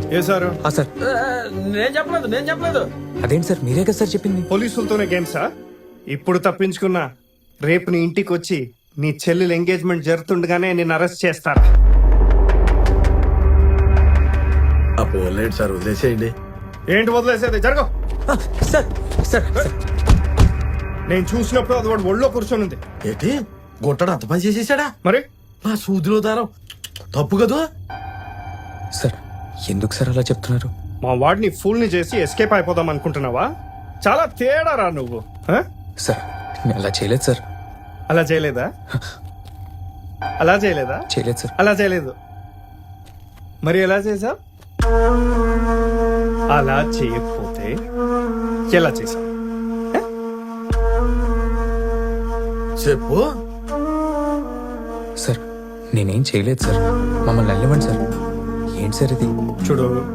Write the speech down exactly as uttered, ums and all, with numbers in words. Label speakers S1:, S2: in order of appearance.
S1: ఏ sir
S2: ఆ sir
S3: నేను చెప్పలేదు నేను చెప్పలేదు
S2: అదేంటి సార్ మీరే కదా సార్ చెప్పింది.
S1: పోలీసులతోనే గేమ్సా? ఇప్పుడు తప్పించుకున్నా రేపు నీ ఇంటికి వచ్చి నీ చెల్లెలు ఎంగేజ్మెంట్ జరుగుతుండగానే నేను అరెస్ట్ చేస్తారా?
S4: ఆ పోలేండి సార్, వదిలేసేయండి.
S1: ఏంటి వదిలేసేది? జరగ.
S2: ఆ, సార్ సార్ సార్
S1: నేను చూసినప్పుడు అది వాడు ఒళ్ళో కూర్చొని ఉంది.
S4: ఏంటి గుట్టడు అంత పని చేసేసాడా?
S1: మరి
S4: నా సూదిలో దారం తప్పు కదా
S2: సార్ ఎందుకు సార్ అలా చెప్తున్నారు?
S1: మా వాడిని ఫుల్ని చేసి ఎస్కేప్ అయిపోదాం అనుకుంటున్నావా? చాలా తేడారా నువ్వు. ఆ?
S2: సార్ నేను అలా చేయలేదు సార్.
S1: అలా చేయలేదా? అలా చేయలేదా?
S2: చేయలేదు సార్.
S1: అలా చేయలేదు. మరి ఎలా చేసావు? అలా చేయకపోతే ఎలా చేసావు?
S4: చెప్పు.
S2: సార్ నేనేం చేయలేదు సార్. మమ్మల్ని వెళ్ళివ్వండి సార్. ఏంటి సార్ ఇది?
S1: చూడు,